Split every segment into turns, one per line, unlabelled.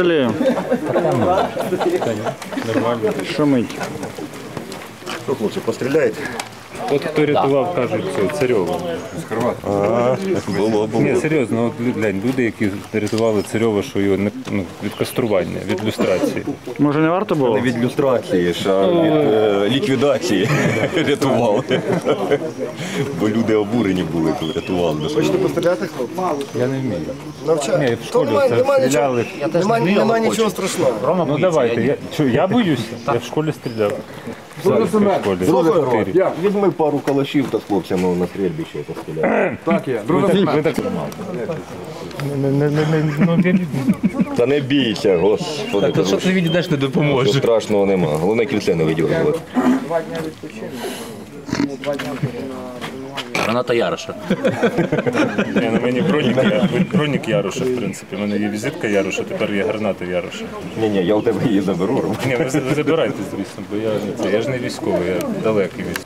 Олею.
Нормально.
Шумить.
Що, хлопці, постріляєте?
От хто рятував, кажуть, Царьова.
Було.
Ні, серйозно, от глянь, люди, які рятували Царьова, що його від кастрування, від люстрації.
Може не варто було?
Не від люстрації, а від ліквідації рятували. Бо люди обурені були, коли рятували.
Хочете постріляти, хлопці?
Я не вмію.
Навчаю.
Ні, в школі це стріляли.
Нема нічого страшного.
Ну давайте, я боюся, я в школі стріляв. Зараз я в школі.
Візьми пару калашів та з хлопцями на стрільбище постріляти.
Так є.
Ви так...
Та не бійся, господи.
То що ти відійдеш, не допоможе.
Нічого страшного нема. Головне кільце не виділити.
Граната Яроша.
Ні, на мені бронік Яроша, в принципі. У мене є візитка Яроша, тепер є граната Яроша.
Ні, я у тебе її заберу.
Ні, ви забирайте, звісно, бо я ж не військовий, я далекий військовий.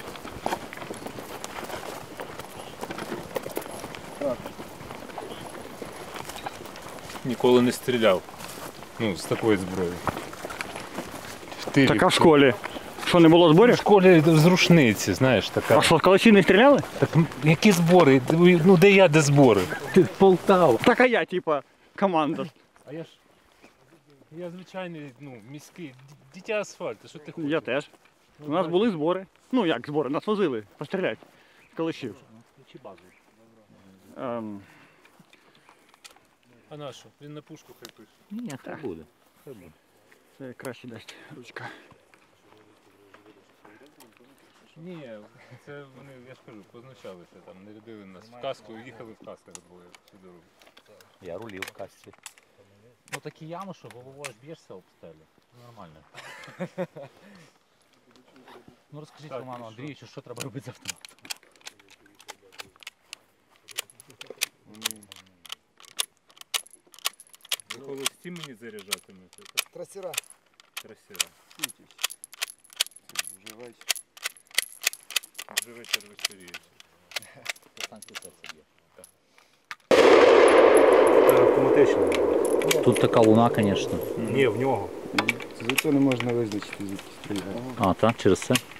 Ніколи не стріляв. Ну, з такої зброї.
Так а в школі? Що, не було
В
зборів?
школі з рушниці, знаєш, така.
А що, з калаші не стріляли?
Так які збори? Ну де я, де збори? Полтава.
Так а я, типа, командир.
А я звичайний, міський, дитя асфальту, що ти хочеш?
Я теж. У нас були збори. Ну як збори, нас возили постріляти з калашів.
А на що? Він на пушку хай пише.
Ні, хай буде.
Це краще дасть ручка.
Ні, це вони, я ж кажу, позначалися, там не рядили нас. В каску, їхали в касках двоє всю дорогу.
Я рулів в касці. Ну такі ями, що головою аж б'єшся об стелю. Нормально. Ну розкажіть Роману Андрійовичу, що треба робити з автоматом?
Ви холості мені заряджатимете, так?
Трасера.
Трасера. Вже вечір вечоріє.
Станція серця б'є.
Автоматично.
Тут така луна, звісно.
Ні, в нього. Звідси не можна визначити, звідки стріляти.
А, так, через це?